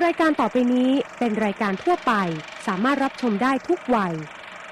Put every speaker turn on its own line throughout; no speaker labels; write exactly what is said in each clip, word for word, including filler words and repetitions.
รายการต่อไปนี้เป็นรายการทั่วไปสามารถรับชมได้ทุกวัย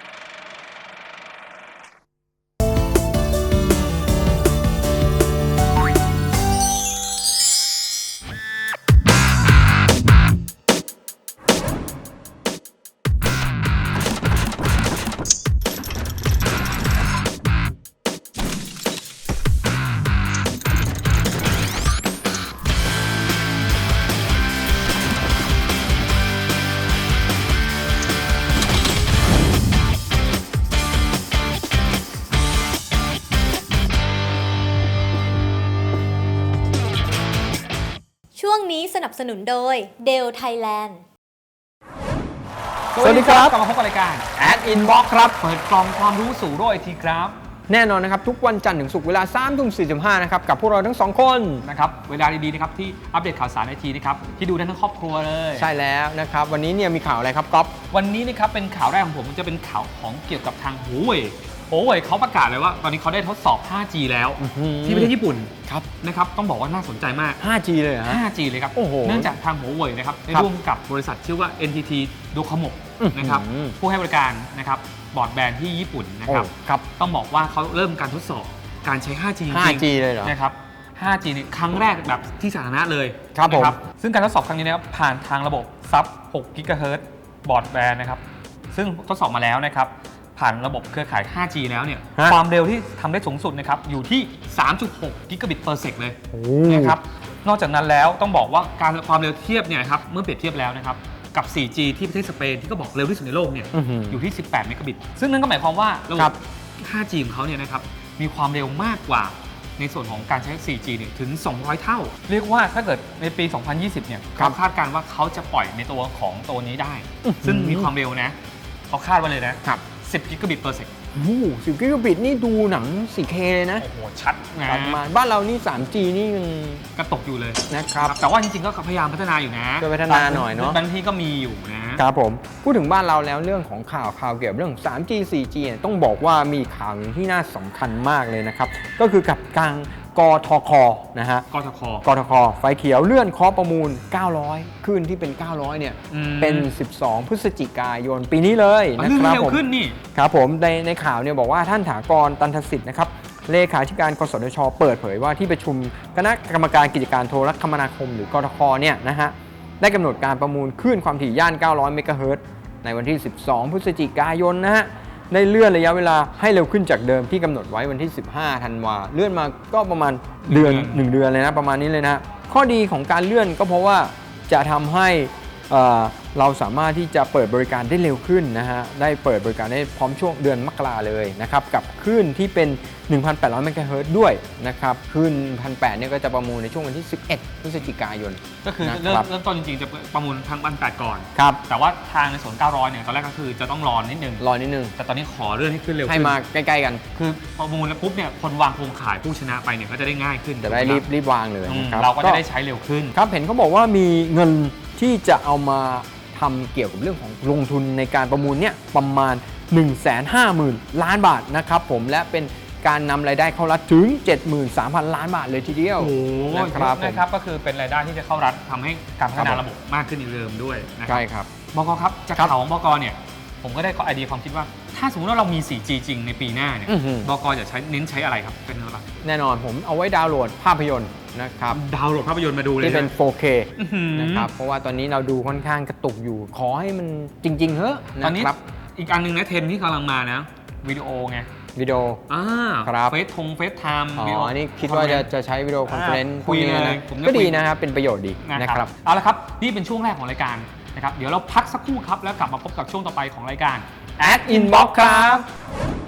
ช่วงนี้สนับสนุนโดย Dell Thailand
สวัสดีครับ
กลับมาพบกับรายการ
Ad Inbox ครับ
เปิดกล่องความรู้สู่โลกไอทีครับ
แน่นอนนะครับทุกวันจันทร์ถึงศุกร์เวลา สามทุ่มสี่สิบห้า นะครับกับพวกเราทั้งสองคน
นะครับเวลาดีๆนะครับที่อัปเดตข่าวสารไอทีนะครับที่ดูได้ทั้งครอบครัวเลย
ใช่แล้วนะครับวันนี้เนี่ยมีข่าวอะไรครับก๊อฟ
วันนี้นะครับเป็นข่าวแรกของผมจะเป็นข่าวของเกี่ยวกับทางหัวเว่ยหัวเว่ยเขาประกาศเลยว่าตอนนี้เขาได้ทดสอบ ห้าจี แล้วที่ประเทศญี่ปุ่น
ครับ
นะครับต้องบอกว่าน่าสนใจมาก
ห้าจี เลยเหรอฮะ
ห้าจี เลยครับ
โอ้โห
เนื่องจากทางหัวเว่ยนะครับได้
ครับ
ร่วมกับบริษัทชื่อว่า เอ็น ที ที Docomo
อื้อหือ
นะครับผู้ให้บริการนะครับบอร์ดแบนด์ที่ญี่ปุ่นนะครับ
โอ้ครับ
ต้องบอกว่าเขาเริ่มการทดสอบการใช้ ห้าจี จริง
ห้า
ๆ
จี เลยเหรอ
นะครับ ห้าจี นี่ครั้งแรกแบบที่สาธารณะเลย
ครับผม
นะซึ่งการทดสอบครั้งนี้นะครับผ่านทางระบบซับ หก กิกะเฮิรตซ์บอร์ดแบนด์นะครับ ซึ่งทดสอบมาแล้วนะครับ ผ่านระบบเครือข่าย ห้าจี แล้วเนี่ย
ฮะ
ความเร็วที่ทำได้สูงสุดนะครับ อยู่ที่ สามจุดหก กิกะบิตเปอร์เซกเลย
โอ้
นะครับ นอกจากนั้นแล้วต้องบอกว่าการความเร็วเทียบเนี่ยครับ เมื่อเปรียบเทียบแล้วนะครับ กับ โฟร์จี ที่ประเทศสเปนที่ก็บอกเร็วที่สุดในโลกเนี่ย
อื้อหือ
อยู่ที่ สิบแปด เมกะบิต ซึ่งนั่นก็หมายความว่าระบ
ครับ บ
ห้าจี ของเขาเนี่ยนะครับมีความเร็วมากกว่าในส่วนของการใช้ โฟร์จี เนี่ยถึง สองร้อย เท่า เรียกว่าถ้าเกิดในปี สองพันยี่สิบ เนี่ย
ครั
เขา
บ
คาดการณ์ว่าเขาจะปล่อยในตัวของตัวนี้ได้
อื้อหือ
ซึ่งมีความเร็วนะเขาคาดไว้เลยนะครับ สิบ กิกะบิตเปอร์เซก
โอ้โหสิบกิกะบิตนี่ดูหนัง โฟร์เค เลยนะ
โอ้โห ชัดนะ
ประมาณบ้านเรานี่ สามจี นี่ยัง
กระตกอยู่เลย
นะครับ
แต่ว่าจริงๆ ก็พยายามพัฒนาอยู่นะ
ช่วยพัฒนาหน่อยเนอะ
บางที่ก็มีอยู่นะ
ครับผมพูดถึงบ้านเราแล้วเรื่องของข่าวข่าวเกี่ยวกับเรื่อง สามจี โฟร์จี เนี่ยต้องบอกว่ามีข่าวหนึ่งที่น่าสำคัญมากเลยนะครับก็คือกับกลางกทคนะฮะ
กทค
กทคไฟเขียวเลื่อนเคาะประมูล เก้าร้อย ขึ้นที่เป็น เก้าร้อย เนี่ย
อืม
เป็น สิบสอง พฤศจิกายนปีนี้เลย
อ๋อ
นะ
เรื่อง
ครับ
เร็ว
ผม
ขึ้นนี่
ครับผมในในข่าวเนี่ยบอกว่าท่านถากรตันทสิทธิ์นะครับเลขาธิการกสทช เปิดเผยว่าที่ประชุมคณะกรรมการกิจการโทรคมนาคมหรือกทคเนี่ยนะฮะได้กำหนดการประมูลคลื่นความถี่ย่าน เก้าร้อย เมกะเฮิรตซ์ในวันที่ สิบสอง พฤศจิกายนนะฮะได้เลื่อนระยะเวลาให้เร็วขึ้นจากเดิมที่กำหนดไว้วันที่ สิบห้า ธันวาเลื่อนมาก็ประมาณเดือน
หนึ่งเดือน
หนึ่งเดือนเลยนะประมาณนี้เลยนะข้อดีของการเลื่อนก็เพราะว่าจะทำให้เอ่อเราสามารถที่จะเปิดบริการได้เร็วขึ้นนะฮะได้เปิดบริการได้พร้อมช่วงเดือนมกราเลยนะครับกับคลื่นที่เป็น หนึ่งพันแปดร้อย เมกะเฮิรตซ์ด้วยนะครับคลื่น หนึ่งพันแปดร้อย เนี่ยก็จะประมูลในช่วงวันที่ สิบเอ็ด พฤศจิกายน
ก็คือ
นะ
เริ่ม
ครับ
เริ่มต้นจริงๆ จะประมูลทางบันแปดก่อน
ครับ
แต่ว่าทางในส่วน เก้าร้อย เนี่ย ตอนแรกก็คือจะต้องรอนิดนึง
รอนิดนึง
แต่ตอนนี้ขอเลื่อนให้ขึ้นเร็ว
ให้
ขึ้น
มาใกล้ๆกัน
คือประมูลแล้วปุ๊บเนี่ย คนวางโครงข่ายผู้ชนะไปเนี่ยก็จะได้ง่ายขึ้น
จะได้รีบรีบวางเลย
อืม
นะครับ
เราก็จะได้ใช้เร็วขึ้น
ครับเห็นเขาบอกว่ามีเงินที่จะเอามาทำเกี่ยวกับเรื่องของลงทุนในการประมูลเนี่ยประมาณ หนึ่งแสนห้าหมื่น ล้านบาทนะครับผมและเป็นการนำรายได้เข้ารัฐถึง เจ็ดหมื่นสามพัน ล้านบาทเลยทีเดียว
โอ้โห
นะครับผม
นะครับก็คือเป็นรายได้ที่จะเข้ารัฐทำให้การพัฒนา
ครับผม
ระบบมากขึ้นอีกเดิมด้วยนะครั
ใช่ครับ
บกครับจาก
ครับ
ข่าวของบกเนี่ยผมก็ได้ไอเดียความคิดว่า ถ้าสมมติว่าเรามี โฟร์จี จริงในปีหน้าเนี่ย
อื้อหือ
บกจะใช้เน้นใช้อะไรครับเป็นอะไร
แน่นอนผมเอาไว้ดาวน์โหลดภาพยนตร์นะครับ
ดาวน์โหลดภาพยนตร์มาดูเลย
ที่เป็น
ะ
โฟร์เค
อื้อหือ
นะครับเพราะว่าตอนนี้เราดูค่อนข้างกระตุกอยู่ ขอให้มันจริงๆเถอะ
ตอนนี้
นะครับ
อีกอันหนึงนะเทรนด์ที่กำลังมานะวิดีโอไง
วิดีโอ
อ่า
ครับ
เฟซทงเฟซไทม์
อ๋
วิดีโอ
ออันนี้คิดว่าจะจะใช้วิดีโอคอนเฟอเรนซ์
อ่า
พวกนี้
คุยเล
นะ
ยผมจะ
ก็ดี
คุย
นะครับเป็นประโยชน์ดี
นะ
นะ
ค
ค
รั
รั
บบ เอาละครับนี่เป็นช่วงแรกของรายการนะครับเดี๋ยวเราพักสักครู่ครับแล้วกลับมาพบกับช่วงต่อไปของรายการ
Ad Inbox ครับ